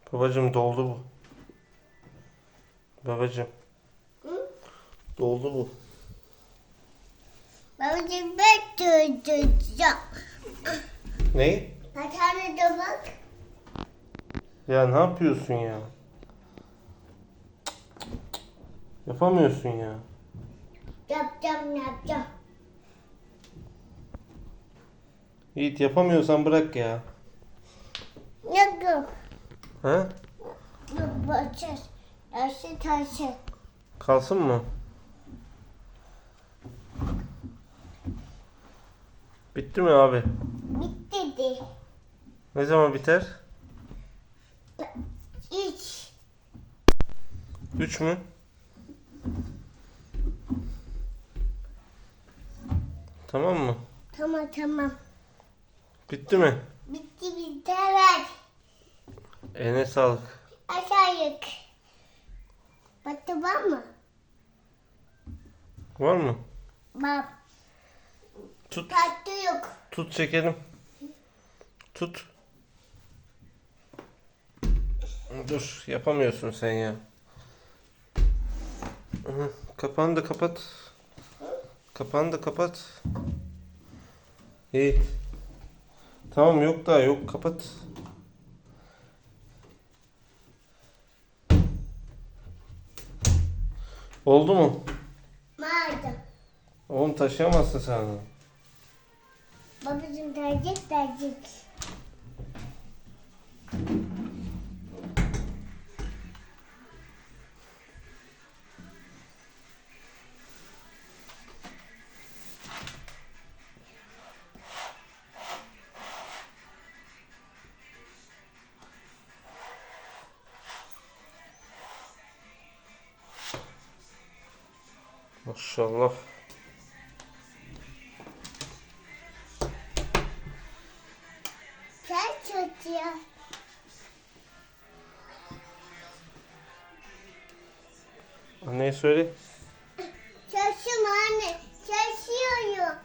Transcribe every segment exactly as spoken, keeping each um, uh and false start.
Babacım doldu bu. Babacım. Hı? Doldu bu. Babacığım ben tutacağım. Ne? Bir tane de bak. Ya ne yapıyorsun ya? Yapamıyorsun ya. Yapacağım yapacağım. Yiğit yapamıyorsan bırak ya. Yok yok. Ha? Yok bakacağız. Taşı taşı. Kalsın mı? Bitti mi abi? Bitti de. Ne zaman biter? Üç. Üç mü? Tamam mı? Tamam tamam. Bitti mi? Bitti bitti evet. Eline sağlık. Aşağı yık. Batı var mı? Var mı? Bak. Tut. Tatlı yok. Tut çekelim. Tut. Dur, yapamıyorsun sen ya. Hı, kapağını da kapat. Kapağını da kapat. İyi. Tamam, yok daha yok, kapat. Oldu mu? Vardı. Oğlum taşıyamazsın sen onu. Babacığım tercih tercih. Maşallah. Sen çocuğa. Anneye söyle. Çalışıyorum anne. Çalışıyorum.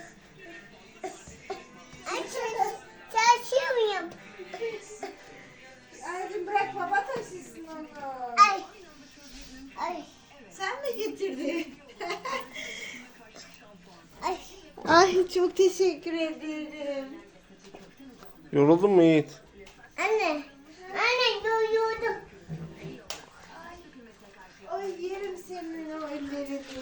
Ay çalış, çalışıyorum. Anneciğim bırak baba taşısın onu. Ay. Ay. Sen mi getirdin? Ay. Ay çok teşekkür ederim. Yoruldun mu Yiğit? Anne. Anne doyurdum. Ay yerim seni.